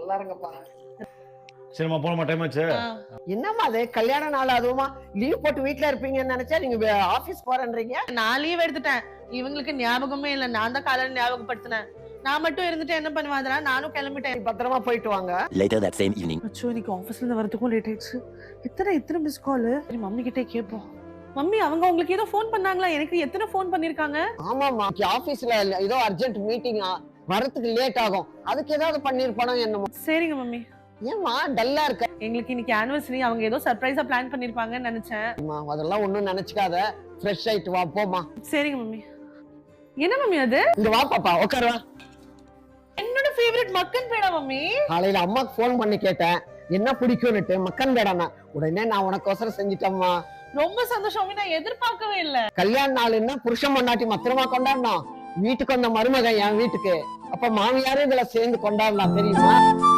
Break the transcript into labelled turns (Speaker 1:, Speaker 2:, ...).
Speaker 1: நல்லா இருங்கப்பா.
Speaker 2: சரிம்மா போனமா டைம் ஆச்சு.
Speaker 1: என்னம்மா அது கல்யாண நாள் அதுவுமா லீவ் போட்டு வீட்ல இருப்பீங்கன்னு நினைச்சா நீங்க ஆபீஸ் போறேன்றீங்க.
Speaker 3: நான் லீவ் எடுத்துட்டேன். இவங்களுக்கு ஞாபகமே இல்ல. நான் தான் காலையில ஞாபகப்படுத்தினேன். நான் மட்டும் இருந்துட்டு என்ன பண்ணுவாதரா? நானும் கிளம்பிட்டேன்.
Speaker 1: பத்திரமா போயிட்டு வாங்க.
Speaker 4: Later that same evening.
Speaker 3: அச்சோ இன்னைக்கு ஆபீஸ்ல இருந்து வரதுக்கும் லேட் ஆயிடுச்சு. இத்தனை மிஸ் கால். மம்மி கிட்டே கேட்போம். மம்மி அவங்க உங்களுக்கு ஏதோ ஃபோன் பண்ணாங்களா? எனக்கு எத்தனை ஃபோன் பண்ணிருக்காங்க?
Speaker 1: ஆமாமா ஆபீஸ்ல ஏதோ அர்ஜென்ட் மீட்டிங் வரதுக்கு லேட் ஆகும். அதுக்கு ஏதாவது பண்ணிருப்பானோ என்னமோ.
Speaker 3: சரிங்க மம்மி.
Speaker 1: ஏமா டல்லா இருக்க?
Speaker 3: எங்களுக்கு இன்னைக்கு ஆனிவர்சரி. அவங்க ஏதோ சர்ப்ரைஸா பிளான் பண்ணிருப்பாங்கன்னு நினைச்சேன்.
Speaker 1: அதெல்லாம் ஒண்ணும் நினைச்சுக்காத. ஃப்ரெஷ் ஆயிட்டு வா போமா.
Speaker 3: சரிங்க மம்மி. என்ன மம்மி அது?
Speaker 1: இங்க வா பாப்பா உட்காரு வா.
Speaker 3: என்னோட ஃபேவரட் மக்கன் பேடா மம்மி.
Speaker 1: காலையில அம்மாக்கு ஃபோன் பண்ணி கேட்டேன் என்ன பிடிக்கும்னுட்டு. மக்கன் பேடானா உடனே நான் உனக்கோசரம் செஞ்சிட்டேம்மா.
Speaker 3: ரொம்ப சந்தோஷம் மம்மி. நான் எதிர்பார்க்கவே இல்ல.
Speaker 1: கல்யாண நாள்னா புருஷன் பொண்டாட்டி மத்திரமா கொண்டாடணும். வீட்டுக்கு வந்த மருமகன் என் வீட்டுக்கு. அப்ப மாமியாரும் இதுல சேர்ந்து கொண்டாடலாம் தெரியுமா?